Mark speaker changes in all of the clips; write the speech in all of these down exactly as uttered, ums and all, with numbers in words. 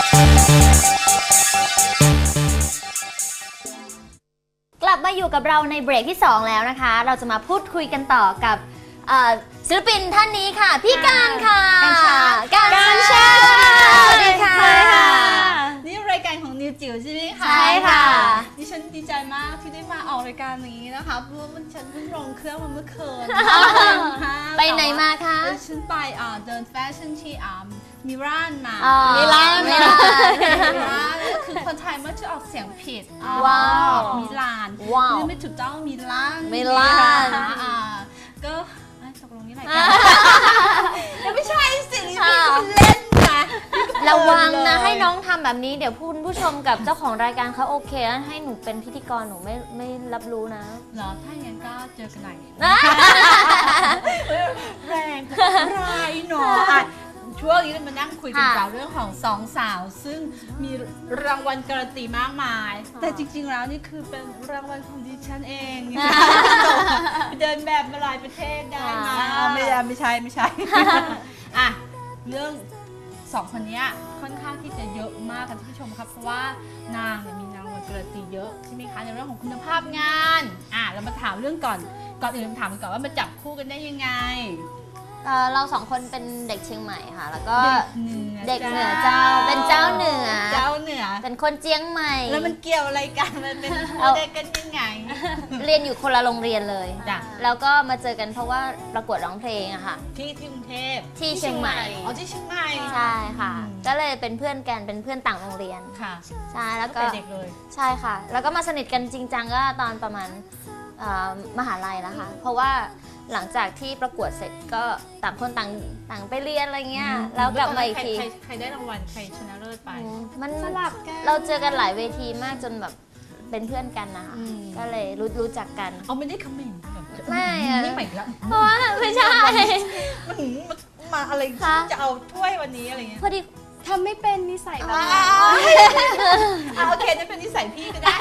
Speaker 1: กลับมาอยู่กับเราในเบรกที่สองแล้วนะคะเราจะมาพูดคุยกันต่อกับศิลปินท่านนี้ค่ะพี่การค่ะการชาสวัสดีค่ะ
Speaker 2: นี่รายการของนิวจิ๋วใช่ไหมคะ
Speaker 1: ใช่ค่ะ
Speaker 2: ดิฉันดีใจมากที่ได้มาออกรายการนี้นะคะเพราะว่ามันฉันเพิ่งลงเครื่องมาเมื่อคืน
Speaker 1: ไปไหนมาคะ
Speaker 2: ฉันไปเดินแฟชั่นที่มิลานมา
Speaker 1: มิลาน
Speaker 2: มิลานคือคนไทยมักจะออกเสียงผิด
Speaker 1: ว้าว
Speaker 2: มิลาน
Speaker 1: ว้าว
Speaker 2: ไม่ถูกต้องมิลาน
Speaker 1: มิลาน
Speaker 2: ก็ตกลงนี่อะไรกันยังไม่ใช่สินี่คุณเล่นนะ
Speaker 1: ระวังนะให้น้องทำแบบนี้เดี๋ยวคุณผู้ชมกับเจ้าของรายการเขาโอเคแล้วให้หนูเป็นพิธีกรหนูไม่ไม่รับรู้นะ
Speaker 2: เหรอถ้าอย่างนั้นก็เจอกันไหนแรงร้ายหนอช่วงนี้เรามานั่งคุยกันกับเรื่องของสองสาวซึ่งมีรางวัลการันตีมากมายแต่จริงๆแล้วนี่คือเป็นรางวัลของดิฉันเองเดินแบบมาหลายประเทศได้มาไม่ใช่ไม่ใช่ไม่ใช่อ่ะเรื่องสองคนนี้ค่อนข้างที่จะเยอะมากค่ะท่านผู้ชมครับเพราะว่านางเนี่ยมีรางวัลการันตีเยอะใช่ไหมคะในเรื่องของคุณภาพงานอ่ะเรามาถามเรื่องก่อนก่อนอื่นถามก่อนว่ามาจับคู่กันได้ยังไง
Speaker 1: เราสองคนเป็นเด็กเชียงใหม่ค่ะแล้วก็เด็กเหนือเจ้าเป็นเจ้าเหนือ
Speaker 2: เจ้าเหนือ
Speaker 1: เป็นคนเจียงใหม่
Speaker 2: แล้วมันเกี่ยวอะไรกันมันเป็นเด็กกันยังไง
Speaker 1: เรียนอยู่คนละโรงเรียนเลยแล้วก็มาเจอกันเพราะว่าประกวดร้องเพลงอะค่ะ
Speaker 2: ที่ที่กรุงเทพ
Speaker 1: ที่เชียงใหม่
Speaker 2: อ๋อที่เชียงใหม่
Speaker 1: ใช่ค่ะก็เลยเป็นเพื่อนกันเป็นเพื่อนต่างโรงเรียน
Speaker 2: ค่ะ
Speaker 1: ใช่แล้วก็
Speaker 2: เด็กเลย
Speaker 1: ใช่ค่ะแล้วก็มาสนิทกันจริงจังก็ตอนประมาณมหาลัยแล้วค่ะเพราะว่าหลังจากที่ประกวดเสร็จก็ต่างคนต่างต่างไปเรียนอะไรเงี้ยแล้วกลับมาอีกที
Speaker 2: ใครได้รางวัลใครชนะเลิศไป
Speaker 1: มันสลับกันเราเจอกันหลายเวทีมากจนแบบเป็นเพื่อนกันนะคะก็เลยรู้รู้จักกัน
Speaker 2: เอาไม่ได้คอมเมนต์
Speaker 1: ไม่อะ
Speaker 2: นี่ใหม่แล้ว
Speaker 1: เพราะว่าไม่ใช่
Speaker 2: มาอะไรจะเอาถ้วยวันนี้อะไรเงี้ย
Speaker 1: พอดี
Speaker 3: ทำไม่เป็นนิสัยแบบนี้
Speaker 2: โอเคนั่นเป็นนิสัยพี่ก็ได้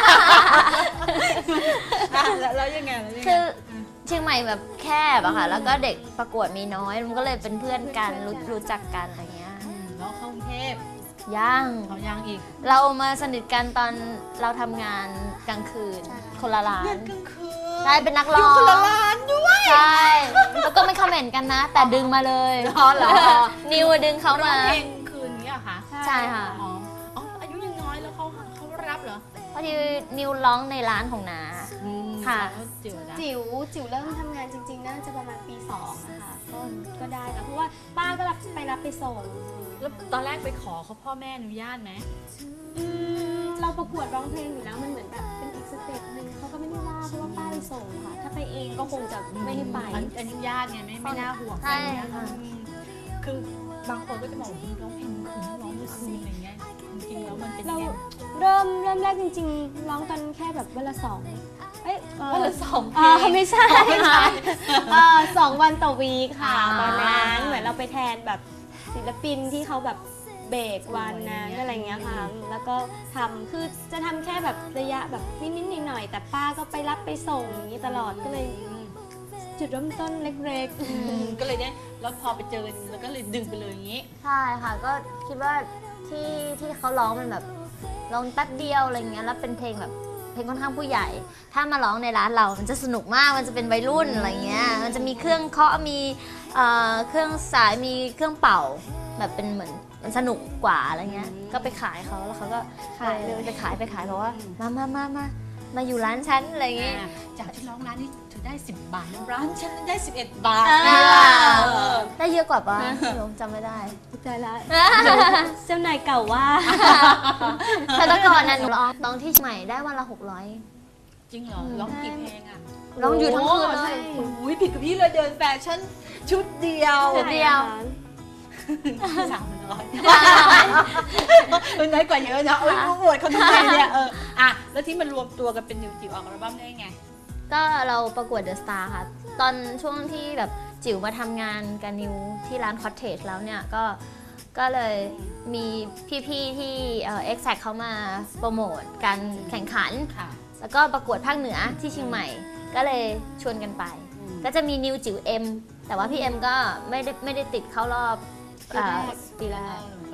Speaker 2: แล้วยังไง
Speaker 1: คือเชียงใหม่แบบแคบอะค่ะแล้วก็เด็กประกวดมีน้อยมันก็เลยเป็นเพื่อนกันรู้รู้จักกันอะไรเงี้ย
Speaker 2: แล้วเข้ากรุงเทพ
Speaker 1: ยัง
Speaker 2: เขายังอีก
Speaker 1: เรามาสนิทกันตอนเราทำงานกลางคืนคนละร้าน
Speaker 2: กลางคืน
Speaker 1: ใช่เป็นนักร้อง
Speaker 2: คนละร้านด้วย
Speaker 1: ใช่แล้วก็ไม่คอมเมนต์กันนะแต่ดึงมาเลย
Speaker 2: เหรอ
Speaker 1: นิวดึงเขามา
Speaker 2: เพลงคืนนี้อะคะ
Speaker 1: ใช่ค่ะ
Speaker 2: อ๋ออายุยังน้อยแล้วเขาเขารับเหรอ
Speaker 1: พอดีนิวร้องในร้านของน้าค่ะ
Speaker 3: จิ๋วจิ๋วจิ๋วเริ่มทำงานจริงๆน่าจะประมาณปีสองนะคะก็ก็ได้แล้วเพราะว่าป้าก็รับไปรับไปส่ง
Speaker 2: แล้วตอนแรกไปขอเขาพ่อแม่อนุญาตไหม
Speaker 3: เราประกวดร้องเพลงอยู่แล้วมันเหมือนแบบเป็นอีกสเต็ปหนึ่งเขาก็ไม่ได้ว่าเพราะว่าป้าไปส่งค่ะถ้าไปเองก็คงจะไม่ให้ไป
Speaker 2: อนุญาตไงไม่ไม่น่าห่วง
Speaker 1: ใช่ค่ะ
Speaker 2: คือบางคนก็จะบอกว่าร้องเพลงคืนร้องเมื่อคืนอะไรเงี้ยจริงๆแล้วมันเป็น
Speaker 3: เราเริ่มเริ่มแรกจริงๆร้องกันแค่แบบวันละสองเอ้ย
Speaker 2: วันละสองเพ
Speaker 3: ลงไม่ใช่ค่ะสองวันต่อวีคค่ะตอนนั้นเหมือนเราไปแทนแบบศิลปินที่เขาแบบเบรกวันนั้นอะไรเงี้ยค่ะแล้วก็ทำคือจะทำแค่แบบระยะแบบนิดๆหน่อยๆแต่ป้าก็ไปรับไปส่งอย่างนี้ตลอดก็เลยจุดเริ่มต้นเล็ก
Speaker 2: ๆก็เลยเนี่ยแล้วพอไปเจอแล้วก็เลยดึงไปเลยอย่างนี้
Speaker 1: ใช่ค่ะก็คิดว่าที่ที่เขาร้องมันแบบร้องแป๊บเดียวอะไรเงี้ยแล้วเป็นเพลงแบบเพลงค่อนข้างผู้ใหญ่ถ้ามาร้องในร้านเรามันจะสนุกมากมันจะเป็นวัยรุ่นอะไรเงี้ยมันจะมีเครื่องเคาะมีเครื่องสายมีเครื่องเป่าแบบเป็นเหมือนมันสนุกกว่าอะไรเงี้ยก็ไปขายเขาแล้วเขาก็ขายเลยไปขายไปขายเพราะว่ามามามามามาอยู่ร้านฉันอะไรเงี้ย
Speaker 2: จากที่ร้องร้านนี้ถือได้สิบบาทร้านฉันได้สิบเอ็ดบาท
Speaker 1: ได้เยอะกว่าป่ะจำไม่ได้
Speaker 3: ใจละเจ้านายเก่าว่า
Speaker 1: แต่ตอนก่อนนั้นร้องร้องที่ใหม่ได้วันละหกร้อย
Speaker 2: จริงเหรอร้องกี่เพลงอ่ะ
Speaker 1: ร้องอยู่ทั้งคืนเลย
Speaker 2: อุ้ยผิดกับพี่เลยเดินแฟชั่นชุดเดียว
Speaker 1: ชุดเดียว
Speaker 2: สามร้อยเป็นน้อยกว่าเยอะนะโอ้ยอวดเขาทำไมเนี่ยเอออ่ะแล้วที่มันรวมตัวกันเป็นนิวจิ๋วออกอัลบั้มได้ไง
Speaker 1: ก็เราประกวดเดอะสตาร์ค่ะตอนช่วงที่แบบจิ๋วมาทำงานกับนิวที่ร้านคอตเทจแล้วเนี่ยก็ก็เลยมีพี่ๆที่เอ็กแซคเขามาโปรโมทการแข่งขันแล้วก็ประกวดภาคเหนือที่เชียงใหม่ก็เลยชวนกันไปก็จะมีนิวจิ๋วเอ็มแต่ว่าพี่เอ็มก็ไม่ได้ไม่ได้ติดเข้ารอบปีแรก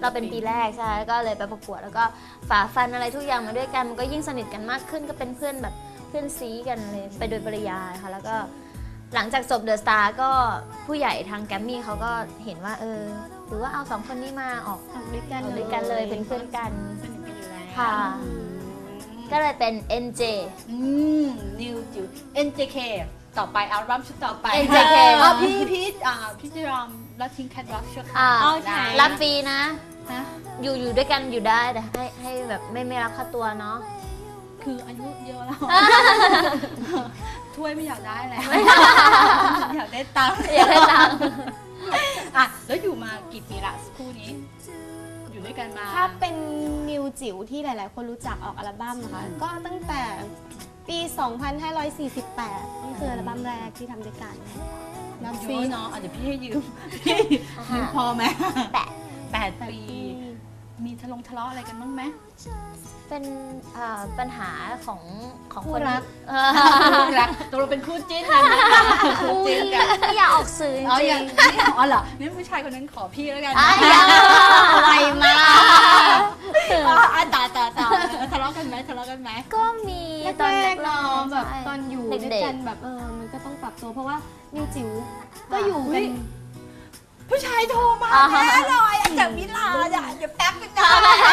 Speaker 1: เราเป็นปีแรกใช่แล้วก็เลยไปประกวดแล้วก็ฝ่าฟันอะไรทุกอย่างมาด้วยกันมันก็ยิ่งสนิทกันมากขึ้นก็เป็นเพื่อนแบบเพื่อนซีกันเลยไปโดยปริยายค่ะแล้วก็หลังจากจบเดอะสตาร์ก็ผู้ใหญ่ทางแกรมมี่เขาก็เห็นว่าเออหรือว่าเอาสองคนนี้มาออก
Speaker 3: ทำด้วยกัน
Speaker 1: ออกด้วยกันเลยเป็นเพื่อนกัน
Speaker 2: สนิทกันอยู่แล้ว
Speaker 1: ค่ะ ก็เลยเป็น เอ็น เจ
Speaker 2: อืมนิวจิ๋ว เอ็น เจ เค ต่อไปอัลบั้มชุดต่อไป
Speaker 1: เอ็น เจ เค
Speaker 2: อ๋อพี่พี่อ่าพี่จะยอมละทิ้งแคทวอล์กชั่วค
Speaker 1: อ่า
Speaker 2: ราว
Speaker 3: โอเค
Speaker 2: ได้
Speaker 1: รับฟรีนะ
Speaker 2: ฮะ
Speaker 1: อยู่อยู่ด้วยกันอยู่ได้แต่ให้ให้แบบไม่ไม่รับค่าตัวเนาะ
Speaker 2: คืออายุเยอะแล้ว ถ้วยไม่อยากได้แล้ว อยากได้ตังค์
Speaker 1: อยากได้ตังค์
Speaker 2: อ่ะแล้วอยู่มากี่ปีละคู่นี้ อยู่ด้วยกันมา
Speaker 3: ถ้าเป็นนิวจิ๋วที่หลาย ๆ คนรู้จักออกอัลบั้มนะคะ ก็ตั้งแต่ปี สองพันห้าร้อยสี่สิบแปด นี่คืออัลบั้มแรกที่ทำด้วยกัน
Speaker 2: น้ำฟรีเนาะอ่ะเดี๋ยวพี่ให้ยืม พี่ยืมพอไหม
Speaker 1: แปะ
Speaker 2: แปดปี มีทะเลาะทะเลาะอะไรกันบ้างไหม
Speaker 1: เป็นเอ่อปัญหาของของ
Speaker 2: คู่
Speaker 1: คน
Speaker 2: รัก
Speaker 1: เออ
Speaker 2: รักตกลงเป็นคู่จิ้นกันคู่
Speaker 1: อุ้ย
Speaker 2: จิ้นกัน
Speaker 1: ไม่อยากออกสื่อจ
Speaker 2: อ๋อ
Speaker 1: ริ
Speaker 2: ยัง งอ๋อเหรอนี่ผู้ชายคนนั้นขอพี่แล้วกัน
Speaker 1: ๆอ่ะยังไวมาก
Speaker 2: อ๋ออ่ะต่อต่อต่อทะเลาะกันไหมทะเลาะกันไหม
Speaker 1: ก็มี
Speaker 3: ตอนแรกๆเนาะแบบ
Speaker 1: ใช่
Speaker 3: ตอนอยู่ด้วย
Speaker 1: เด็ก
Speaker 3: กันแบบเออมันก็ต้องปรับตัวเพราะว่านิวจิ๋วก็อยู่
Speaker 2: อุ๊
Speaker 3: กั
Speaker 2: ย
Speaker 3: น
Speaker 2: ผู้ชายโทรมา
Speaker 1: อ่า
Speaker 2: แน่เลยอ่ะจากมิลานอ่ะเดี๋ยวแป๊บนึงนะ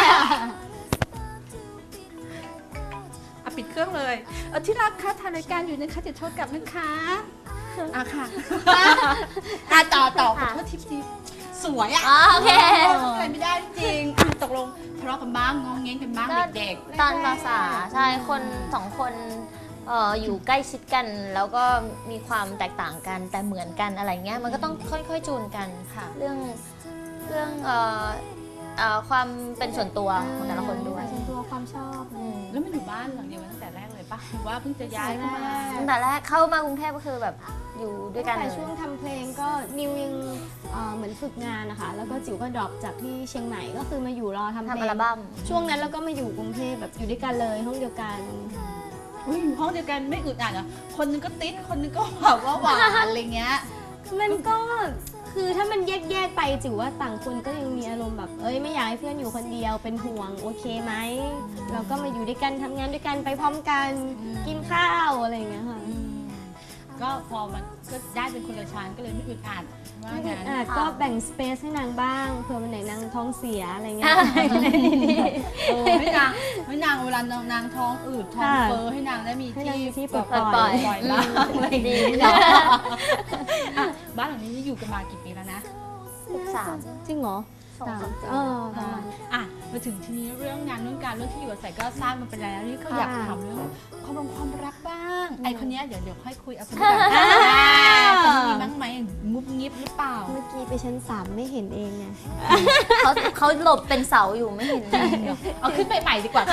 Speaker 2: อ่ะปิดเครื่องเลยเออที่รักคะถ่ายรายการอยู่นะคะจะโทษกลับนะคะอ่ะค่ะอ่ะต่อต่อขอโทษทิปทีสวยอ่ะ
Speaker 1: อ๋อโอเค
Speaker 2: อะไรไม่ได้จริงอ่ะตกลงทะเลาะกันบ้างงองเง้งกันบ้าง
Speaker 1: ก็
Speaker 2: เด็ก
Speaker 1: ตอนภาษาใช่คนสองคนเอ่ออยู่ใกล้ชิดกัน แล้วก็มีความแตกต่างกันแต่เหมือนกันอะไรเงี้ยมันก็ต้องค่อยๆจูนกันค่ะ เรื่องเรื่องเอ่อเอ่อความเป็นส่วนตัวของแต่ละคนด้วย
Speaker 3: ส่วนตัวความชอบ
Speaker 1: อืม
Speaker 2: ๆแล้วมันอยู่บ้านหลังเดียวกันตั้งแต่แรกเลยปะหรือว่าเพิ่งจะย้ายเข้ามา
Speaker 1: ตั้งแต่แรกเข้ามากรุงเทพก็คือแบบอยู่ด้วยกัน
Speaker 3: แต่
Speaker 1: เลย
Speaker 3: ช่วงทำเพลงก็นิวยังเอ่อเหมือนฝึกงานนะคะ แล้วก็จิ๋วก็ดรอปจากที่เชียงใหม่ก็คือมาอยู่รอทำเพ
Speaker 1: ทำ
Speaker 3: ล
Speaker 1: อัล
Speaker 3: ง
Speaker 1: บั้ม
Speaker 3: ช่วงนั้นเราก็มาอยู่กรุงเทพแบบอยู่ด้วยกันเลยห้องเดียวกัน
Speaker 2: อุ้ยอยู่ห้องเดียวกันไม่อึดอัดเหรอคนนึงก็ติดคนนึงก็แบบว่าหวานอะไรเงี้ย
Speaker 3: มันก็คือถ้ามันแยกๆไปจิ๋วว่าต่างคนก็ยังมีอารมณ์แบบเอ้ยไม่อยากให้เพื่อนอยู่คนเดียวเป็นห่วงโอเคไหมเราก็มาอยู่ด้วยกันทำงานด้วยกันไปพร้อมกัน
Speaker 2: อืม
Speaker 3: กินข้าวอะไรอย่างเงี้ยค่ะ
Speaker 2: อืมก็พอมันก็ได้เป็นคนละชั้นก็เลยไม่อึดอัดว่า
Speaker 3: ไม่
Speaker 2: งั้
Speaker 3: อึ
Speaker 2: น
Speaker 3: ดอัดก็แบ่งสเปซให้นางบ้างเผื่อวันไหนนางท้องเสียอะไรเงี้ย
Speaker 2: เออให้นางให้นางเวลานางนางท้องอืดท้อง
Speaker 3: ค่ะ
Speaker 2: เฟ้อให้นางได้มี
Speaker 3: ให้นางมีที่
Speaker 2: แบบ
Speaker 3: ปล่อย
Speaker 1: ปล่อย
Speaker 2: ปล่อยบ้างอะไรอย่าง
Speaker 1: ดี
Speaker 2: เงี้ย
Speaker 1: เนาะ
Speaker 2: อ่ะบ้านหลังนี้อยู่กันมากี่ปีแล้วนะ
Speaker 1: สิบสาม
Speaker 3: จริงเหรอ
Speaker 1: สองสามปี
Speaker 3: เออประมาณ
Speaker 2: อ่ะมาถึงทีนี้เรื่องงานเรื่องการเรื่องที่อยู่อาศัยก็ทราบมันไปแล้วนี่ก็อยาก
Speaker 3: ค่ะ
Speaker 2: ถามเรื่องความรักความรักบ้าง
Speaker 3: อืม
Speaker 2: ไอคนเนี้ยเดี๋ยวเดี๋ยวค่อยคุยเอาคนนี้ก่อนอ่าคนนี้มีบ้างไหมงุบงิบหรือเปล่า
Speaker 3: เมื่อกี้ไปชั้นสามไม่เห็นเองไง
Speaker 1: เขาเขาหลบเป็นเสาอยู่ไม่เห็น
Speaker 2: เอาขึ้นไปใหม่ดีกว่า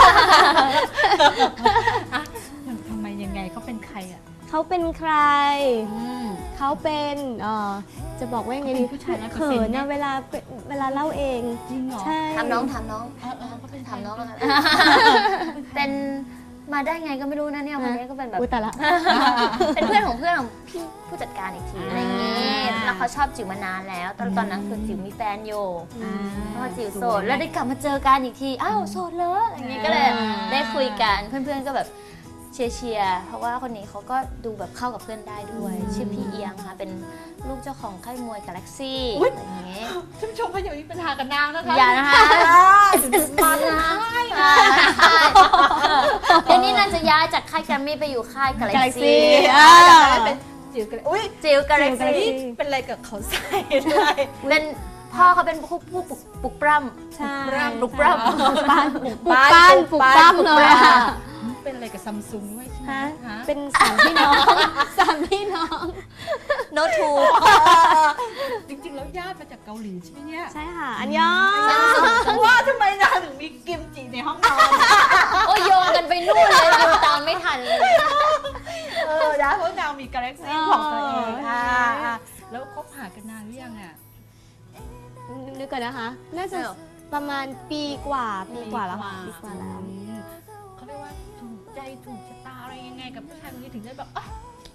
Speaker 2: อ่ะทำไมยังไงเขาเป็นใครอ่ะ
Speaker 3: เขาเป็นใคร
Speaker 2: อืม
Speaker 3: เขาเป็นเอ่อจะบอกว่ายังไงดี
Speaker 2: เขาเป็นผู้ชายร้อยเปอร์
Speaker 3: เขิ
Speaker 2: เซ็นต์
Speaker 3: น
Speaker 2: ไหม
Speaker 3: นะเวลาเวลาเล่าเอง
Speaker 2: จริงเหรอ
Speaker 3: ใช่
Speaker 1: ถามน้องถามน้อง
Speaker 2: เออเออเขาเป็นใคร
Speaker 1: ถามน้องแล้วกันเป็นมาได้ไงก็ไม่รู้นะเนี่ยคนนี้ก็เป็นแบบ
Speaker 3: อุ้ยแต่ละ
Speaker 1: เป็นเพื่อนของเพื่อนของพี่ผู้จัดการอีกทีอะไรอย่างงี้
Speaker 2: อ่า
Speaker 1: แล้วเขาชอบจิ๋วมานานแล้ว ตอนตอนนั้นคือจิ๋วมีแฟนอยู่
Speaker 2: อ่า
Speaker 1: พอจิ๋วโสดแล้วได้กลับมาเจอกันอีกทีอ้าวโสดเลยอะไรอย่างงี้ก็เลย
Speaker 2: อ่า
Speaker 1: ได้คุยกันเพื่อนๆก็แบบเชียร์เชียร์เพราะว่าคนนี้เขาก็ดูแบบเข้ากับเพื่อนได้ด้วย ชื่อพี่เอียงค่ะเป็นลูกเจ้าของค่ายมวยกาแล็กซี่อะไรอย่างงี้
Speaker 2: ท่านผู้ชมพอย่ามีปัญหากับนางนะคะ
Speaker 1: อย่านะคะ
Speaker 2: มันนะ
Speaker 1: อ่าใช่เดี๋ยวนี้นางจะย้ายจากค่ายแกรมมี่ไปอยู่ค่ายกาแล็ก
Speaker 3: Galaxy
Speaker 1: ซี่
Speaker 3: อ่า
Speaker 2: จะได้เป็นจิ๋วกันอุ้ย
Speaker 1: จิ๋วกาแล็ก
Speaker 3: จิ๋ว
Speaker 1: ซี่
Speaker 3: Galaxy
Speaker 2: เป็นอะไรกับเขาใส่ด้วย
Speaker 1: เป็นพ่อเขาเป็นผู้ผู้ปลุกปลุกปล้ำ
Speaker 3: ใช่
Speaker 1: ปลุกปล้ำ
Speaker 3: ปลุกปั้นปลุกปั้นปลุกปั้นเลยอะ
Speaker 2: เป็นอะไรกับซัมซุงด้วยใช่ไหม
Speaker 3: ฮะ
Speaker 2: ฮะ
Speaker 3: เป็นสามพี่น้อง สามพี่น้อง
Speaker 1: โน้ตทู
Speaker 2: จริงๆแล้วญาติมาจากเกาหลีใช่ไหมเนี่ย
Speaker 3: ใช่ค่ะ อันยอง
Speaker 2: ว่าทำไมนางถึงมีกิมจิในห้องนอน
Speaker 1: โอ้ยโยงกันไปนู่นเลยดูตามไม่ทันเลย
Speaker 2: เออนะเพราะนางมีกาแล็กซี่ของตัวเอง
Speaker 3: อ๋อ
Speaker 2: อ่า
Speaker 3: ใช่
Speaker 2: อ่าแล้วคบหากันนานหรือยังอ่ะ
Speaker 3: นึกก่อนนะคะ น่าจะประมาณปีกว่า ปีกว่าแล้วค่ะ ปีกว่าแล้ว
Speaker 2: อืมเขาเรียกว่าถูกใจถูกชะตาอะไรยังไงกับผู้ชายคนนี้ถึงได้แบบเอ้ย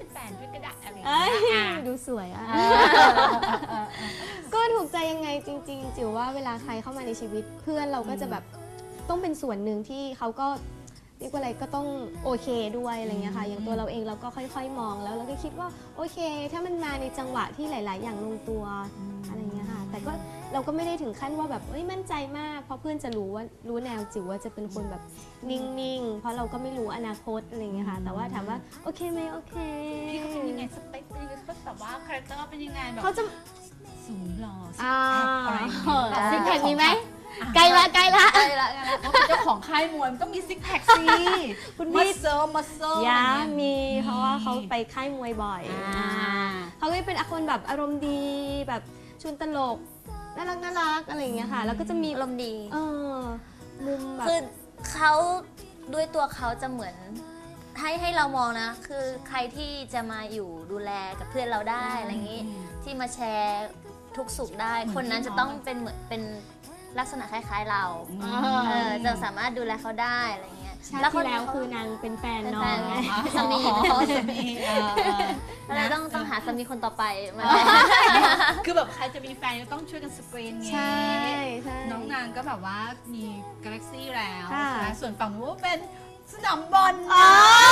Speaker 2: เป็นแฟนด้วยก็ได้อะไรอย่าง
Speaker 3: เอ้
Speaker 2: เงี้
Speaker 3: ย
Speaker 2: ยอ่ะ
Speaker 3: ดูสวยอ่ะ
Speaker 2: เออเออเออ
Speaker 3: ก็ถูกใจยังไงจริงๆจิ๋วว่าเวลาใครเข้ามาในชีวิตเพื่อนเราก็จะแบบต้องเป็นส่วนหนึ่งที่เขาก็เรียกว่าอะไรก็ต้องโอเคด้วยอะไรเงี้ยค่ะ อย่างตัวเราเองเราก็ค่อยๆมองแล้วเราก็คิดว่าโอเค ถ้ามันมาในจังหวะที่หลาย ๆ อย่างลงตัวอะไรเงี้ยค่ะ แต่ก็เราก็ไม่ได้ถึงขั้นว่าแบบเอ้ยมั่นใจมากเพราะเพื่อนจะรู้ว่ารู้แนวจิ๋วว่าจะเป็นคนแบบนิ่งๆเพราะเราก็ไม่รู้อนาคตอะไรเงี้ยค่ะ แต่ว่าถามว่าโอเคไหมโอเค
Speaker 2: พี่เขาเป็นยังไงสเปคเป็นยังไงเขาแบบว่าคาแรคเตอร์เป็นยังไงแบบ
Speaker 3: เขาจะ
Speaker 2: สูงหล่อซิก
Speaker 3: อ่า
Speaker 2: แพคอะไรอย่างเงี้ย
Speaker 3: ซิกแพคมีไหมใกล้ละใกล้ละ
Speaker 1: ใช่ละกันละ
Speaker 2: เพราะเป็นเจ้าของค่ายมวยมันต้องมีซิกแพคสิ
Speaker 3: คุณ
Speaker 2: มั
Speaker 3: พี่
Speaker 2: สเซิลมัสเซิล
Speaker 3: ยามีเพราะว่าเขาไปค่ายมวยบ่อย
Speaker 2: อ่า
Speaker 3: เขาก็เป็นคนแบบอารมณ์ดีแบบชวนตลกน่ารักน่ารักอะไรอย่างเงี้ยค่ะ แล้วก็จะมี
Speaker 1: อารมณ์ดี
Speaker 3: เออมุมแบบ
Speaker 1: คือเขาด้วยตัวเขาจะเหมือนให้ให้เรามองนะ คือใครที่จะมาอยู่ดูแลกับเพื่อนเราได้อะไรอย่างนี้ ที่มาแชร์ทุกสุขได้ คนนั้นจะต้องเป็นเหมือนเป็นลักษณะคล้าย ๆเรา เออจะสามารถดูแลเขาได้อะไรเงี้ย
Speaker 3: ชาติ
Speaker 1: แล้วค
Speaker 3: ที่
Speaker 1: น
Speaker 3: แล้ว
Speaker 1: เขา
Speaker 3: คือนางเป็นแฟน
Speaker 1: เป็น
Speaker 3: น้อ
Speaker 1: แฟ
Speaker 3: ง
Speaker 1: น
Speaker 3: ไง
Speaker 1: สามี
Speaker 2: อ๋อสามีเออเออ
Speaker 1: ก็เลยต้องต้องหาสามีคนต่อไปมา
Speaker 2: คือแบบใครจะมีแฟนก็ต้องช่วยกันสกรีนไง
Speaker 3: ใช่ใช่
Speaker 2: น้องนางก็แบบว่ามีกาแล็กซี่แล้ว
Speaker 3: ค่ะ
Speaker 2: ใช่ไหมส่วนฝั่งนู้นเป็นสนามบอล
Speaker 3: อ๋อ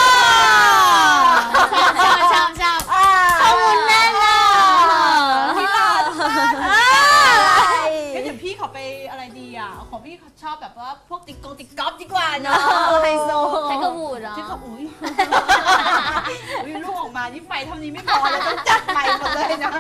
Speaker 3: ชอบชอบชอบชอบ
Speaker 2: ข้อมูล
Speaker 3: แน่นอน
Speaker 2: ที่ร้านงั้นเดี๋ยวพี่ขอไปอะไรดีอ่ะ ของพี่เขาชอบแบบว่าพวกติ๊กกงติ๊กก๊อฟดีกว่าเนาะไฮโซ
Speaker 1: ใช้กระบูดเหรอ
Speaker 2: ที่เขาอุ้ยอุ้ยลูกออกมานี่ไฟเท่านี้ไม่พอแล้วต้องจัดใหม่หมดเลยนะ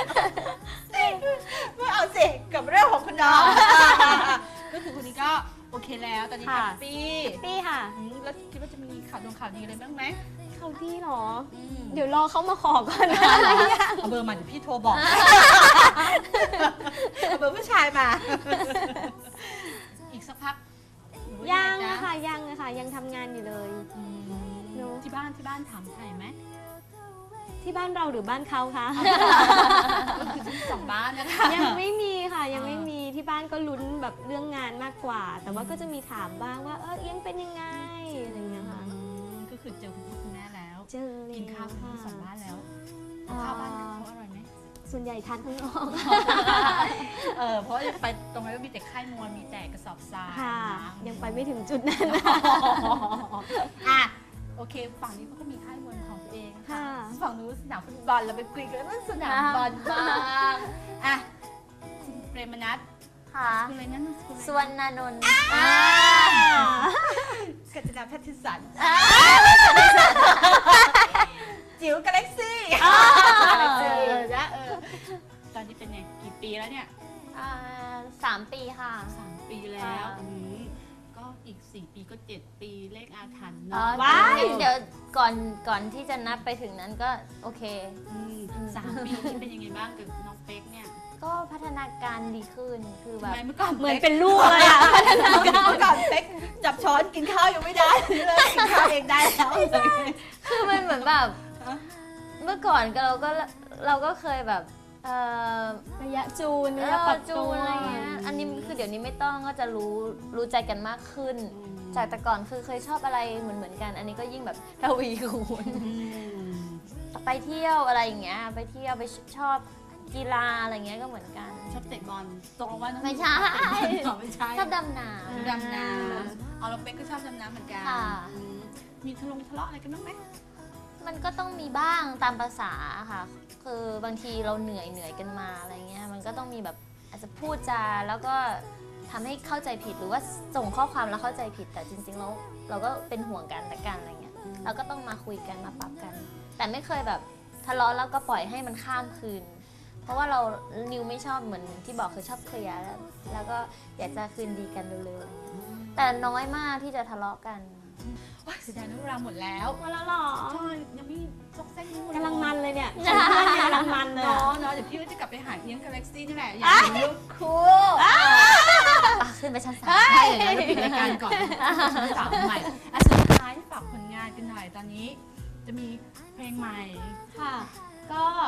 Speaker 2: ไม่เอาสิกับเรื่องของคุณน้องก็คือคนนี้ก็โอเคแล้วตอนนี้แฮปปี้
Speaker 3: ปี้ค่ะ
Speaker 2: อืมแล้วคิดว่าจะมีข่าวดวงข่าวดีอะไรบ้างไหม
Speaker 3: เขาพี่เหรอ
Speaker 2: อืม
Speaker 3: เดี๋ยวรอเขามาขอก่อนนะ
Speaker 2: เอาเบอร์มาเดี๋ยวพี่โทรบอกเอาเบอร์ผู้ชายมา อีกสักพักหรือว่า
Speaker 3: ยัง
Speaker 2: ไ
Speaker 3: อะค่ะยังอะค่ะยังทำงานอยู่เลย
Speaker 2: อืม
Speaker 3: เนอะ
Speaker 2: ที่บ้านที่บ้านถามไทยไหม
Speaker 3: ที่บ้านเราหรือบ้านเขาคะ
Speaker 2: ก็คือทั้งสองบ้านนะคะ
Speaker 3: ยังไม่มีค่ะยังไม่มีที่บ้านก็ลุ้นแบบเรื่องงานมากกว่า แต่ว่าก็จะมีถามบ้างว่าเออเอียงเป็นยังไงอะไรอย่างเงี้ยค่ะ
Speaker 2: อืมก็คือเจอคุณพ่อคุณแม่แล้ว
Speaker 3: เจอเลย
Speaker 2: กินข้าวทั้งสองบ้านแล้วข้าวบ้านเขาอร่อยไหม
Speaker 3: ส่วนใหญ่ทานข้างนอก
Speaker 2: เออเพราะไปตรงนั้นก็มีแต่ค่ายมวยมีแต่กระสอบทราย
Speaker 3: ค่ะ
Speaker 2: นะ
Speaker 3: ยังไปไม่ถึงจุดนั้น
Speaker 2: อ่ะโอเคฝั่งนี้เขาก็มีค่ายมวยของตัวเอง
Speaker 3: ค่ะ
Speaker 2: ฝั่งนู้นสนามฟุตบอลเราไปคุยกันเรื่องสนามบอลบ้างอ่ะคุณเปรมนัท
Speaker 1: ค่ะ
Speaker 2: คุณอะไรนั่นคุณ
Speaker 1: สวนนานนท์
Speaker 2: กัญจนาแพทริสันจิ๋วกาแล็กซี่นะเออตอนนี้เป็นไงกี่ปีแล้วเนี่ย
Speaker 1: อ่าสามปีค่ะ
Speaker 2: สามปีแล้ว
Speaker 1: ค่ะ
Speaker 2: อืมก็อีกสี่ปีก็เจ็ดปีเลขอาถรรพ์
Speaker 1: อ๋อ
Speaker 2: เนาะ
Speaker 3: ว้าย
Speaker 1: งั้นเดี๋ยวก่อนก่อนที่จะนับไปถึงนั้นก็โอเค
Speaker 2: อืมสามปีนี่เป็นยังไงบ้างกับน้องเป๊กเนี่ย
Speaker 1: ก็พัฒนาการดีขึ้นคือแบ
Speaker 2: ทำ
Speaker 1: บ
Speaker 2: ไมเมื่อก่อน
Speaker 3: เหมือนเป็นลูกเลยอะ
Speaker 2: เมื่อก่อนเป๊กจับช้อนกินข้าวยังไม่ได้เลยกินข้าวเองได้แล้ว
Speaker 1: คือมันเหมือนแบบ
Speaker 2: ฮะ
Speaker 1: เมื่อก่อนก็เราก็เราก็เคยแบบเอ่อ
Speaker 3: ระยะจูน
Speaker 1: เอ
Speaker 3: ระยะ
Speaker 1: อ
Speaker 3: ปรับ
Speaker 1: จู
Speaker 3: ตัวน
Speaker 1: อะไรเงี้ยอันนี้คือเดี๋ยวนี้ไม่ต้องก็จะรู้รู้ใจกันมากขึ้น จากแต่ก่อนคือเคยชอบอะไรเหมือนเหมือนๆกัน อันนี้ก็ยิ่งแบบทวีคูณ
Speaker 2: อืม
Speaker 1: ไปเที่ยวอะไรอย่างเงี้ยไปเที่ยวไปชอบกีฬาอะไรเงี้ยก็เหมือนกัน
Speaker 2: ชอบเตะบอลตกลงว่าน้อง
Speaker 1: ไม่ใช่
Speaker 2: อ๋อไม่ใช่
Speaker 1: ชอบดำน้
Speaker 2: ดำน้ำเอาเราเป๊กก็ชอบดำน้ำเหมือนกัน
Speaker 1: ค่ะ
Speaker 2: อืมมีทะเลาะทะเลาะอะไรกันบ้างไหม
Speaker 1: ำมันก็ต้องมีบ้างตามภาษาค่ะ คือบางทีเราเหนื่อยเหนื่อยกันมาอะไรเงี้ยมันก็ต้องมีแบบอาจจะพูดจาแล้วก็ทำให้เข้าใจผิดหรือว่าส่งข้อความแล้วเข้าใจผิดแต่จริงๆแล้วเราก็เป็นห่วงกันแต่กันอะไรเงี้ยเราก็ต้องมาคุยกันมาปรับกัน แต่ไม่เคยแบบทะเลาะแล้วก็ปล่อยให้มันข้ามคืน เพราะว่าเรานิวไม่ชอบเหมือนที่บอกคือชอบเคลียร์แล้วแล้วก็อยากจะคืนดีกันเร็วๆอะไรเงี้ยแต่น้อยมากที่จะทะเลาะกัน
Speaker 2: ว้ายเสียดายนะเวลาหมดแล้ว
Speaker 3: มาแล้วเหรอ
Speaker 2: ใช่ยังไม่ซอกแซกนี่หมด
Speaker 3: กำลังมันเลยเนี่ย
Speaker 1: จ้า
Speaker 3: เพื่อนเนี่ยกำลังมันเลย
Speaker 2: เนาะ
Speaker 3: อะ
Speaker 2: เนาะเดี๋ยวพี่ก็จะกลับไปหาเอียงกาแล็กซี่นี่แหละอยากเห็นลูกคู่
Speaker 1: ปะขึ้นไปชั้นสาม
Speaker 2: ใช่เดี๋ยวเราปิดรายการก่อนสามใหม่อ่ะสุดท้ายฝากผลงานกันหน่อยตอนนี้ จะมีเพลงใหม่
Speaker 3: ค่ะ ก็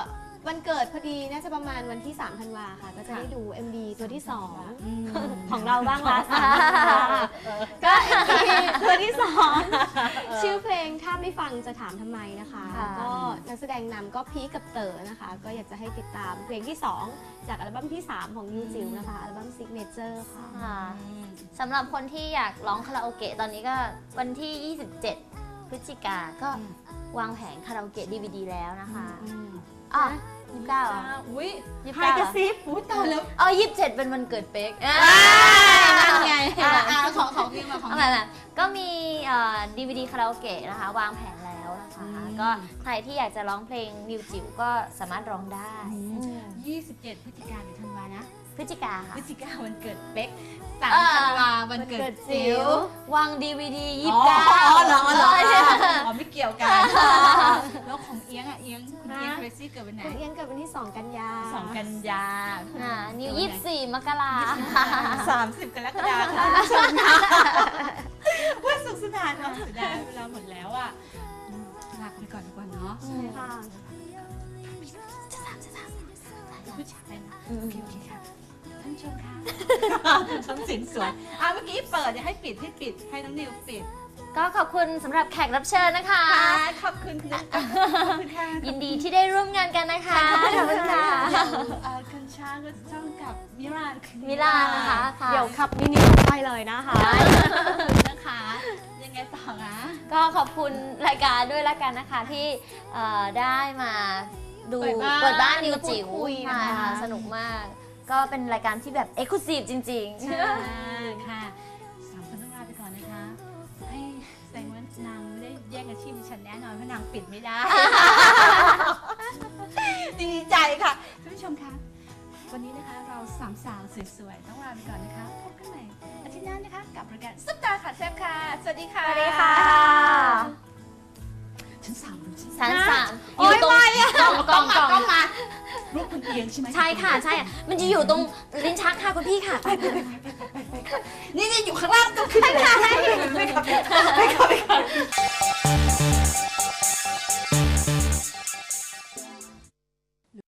Speaker 3: วันเกิดพอดีน่าจะประมาณวันที่3ธันวาค่ะ ก็จะได้ดู เอ็ม วี ตัวที่สอง
Speaker 2: อืม
Speaker 3: ของเราบ้างละสามธันวาก็ เอ็ม วี ตัวที่สองชื่อเพลงถ้าไม่ฟังจะถามทำไมนะคะ
Speaker 1: ค่ะ
Speaker 3: ก็นักแสดงนำก็พีคกับเต๋อนะคะ ก็อยากจะให้ติดตามเพลงที่สองจากอัลบั้มที่สามของนิวจิ๋วนะคะอัลบั้ม Signature ค่ะ
Speaker 1: ค่ะสำหรับคนที่อยากร้องคาราโอเกะตอนนี้ก็วันที่ ยี่สิบเจ็ด พฤศจิกาก็วางแผงคาราโอเกะ ดี วี ดี แล้วนะคะอ๋อยี่สิบเก้าเหรอ
Speaker 2: อุ้ย
Speaker 1: ยี่สิบ
Speaker 2: ใคร
Speaker 1: เก้าก
Speaker 2: ระซิบอุ้ยตายแล้ว
Speaker 1: อ๋อยี่สิบเจ็ดเป็นวันเกิดเป๊ก
Speaker 2: นั่นไง
Speaker 1: อ่า
Speaker 2: อ่าของของพี่มาของ
Speaker 1: เอาแบบก็มีดีวีดีคาราโอเกะนะคะ วางแผนแล้วนะคะ ก็ใครที่อยากจะร้องเพลงนิวจิ๋วก็สามารถร้องได้
Speaker 2: ยี่สิบเจ็ดพฤศจิกายนหรือธันวานะ
Speaker 1: พฤศจิกา
Speaker 2: พ
Speaker 1: ค่ะ
Speaker 2: ฤศจิกายนวันเกิดเป๊กสาม
Speaker 1: เออ
Speaker 2: ธันวาวันเกิดจิ๋ว
Speaker 1: วางดีวีดียี่
Speaker 2: อ๋
Speaker 1: สิ
Speaker 2: อบ
Speaker 1: เก้า
Speaker 2: อ๋อเหรอเหรอ
Speaker 1: ใช่ค่ะ
Speaker 2: อ๋อไม่เกี่ยวกัน แล้วของเอียงอ่ะเอียงคุณเอียงเรซี่เกิดวันไหน
Speaker 3: คุณเอียนเกิดวันที่สองกันยา
Speaker 2: สองกันยา
Speaker 1: อ่านิวยี่สิบสี่มกรา
Speaker 2: สามสิบกรกฎาคมคุณผู้ชมค่ะว่าสุขสนานเนาะเสียดายเวลาหมดแล้วอ่ะอืมลาไปก่อนดีกว่าเนาะ
Speaker 3: ใช่ค่ะ
Speaker 2: ผู้ชายนะ
Speaker 1: อืม
Speaker 2: โอเคโอเคค่ะท่านผู้ชมค่ะชมสินสวยอ่ะเมื่อกี้เปิดอย่าให้ปิดให้ปิดให้น้องนิวปิด
Speaker 1: ก็ขอบคุณสำหรับแขกรับเชิญนะคะ
Speaker 2: ค่ะขอบคุณนะขอบคุณค่ะ
Speaker 1: ยินดีที่ได้ร่วมงานกันนะคะ
Speaker 2: ขอบคุณค่ะเอ่อคุณช้างก็จ้องกับมิลาน
Speaker 1: มิลานะคะค่ะ
Speaker 3: เดี๋ยวขับมินิไปเลยนะคะ
Speaker 2: ขอบคุณนะคะ ยังไงต่อนะ
Speaker 1: ก็ขอบคุณรายการด้วยละกันนะคะที่เอ่อได้มาดู
Speaker 2: เปิดบ้าน
Speaker 1: เปิดบ้านนิวจิ๋ว
Speaker 3: พูดคุยนะคะ
Speaker 1: ใช่ค่ะสนุกมาก ก็เป็นรายการที่แบบเอ็กซ์คลูซีฟจริง
Speaker 2: ใช่ค่ะสามคนต้องลาไปก่อนนะคะให้แสดงว่านางไม่ได้แย่งอาชีพดิฉันแน่นอนเพราะนางปิดไม่ได้ ดีใจค่ะท่านผู้ชมคะวันนี้นะคะเราสามสาวสวยๆต้องลาไปก่อนนะคะพบกันใหม่อาทิตย์หน้านะคะกับรายการซุปตาค่ะแซ่บค่ะ สวัสดีค่ะ
Speaker 1: ๆ สวัสดีค่ะ
Speaker 2: ฉันสามดูสิ
Speaker 1: สามสาม
Speaker 3: โอ๊ย
Speaker 1: ตรง
Speaker 3: ไม่อะ
Speaker 1: กล่องกล่องกล่อง
Speaker 2: มารูปคุณเอียงใช่ไหม
Speaker 1: ใช่ค่ะใช่ค่ะมันจะอยู่ตรงลิ้นชักค่ะคุณพี่ค่ะ
Speaker 2: นี่นี่อยู่ข้างล่างต้องขึ้นไปเลย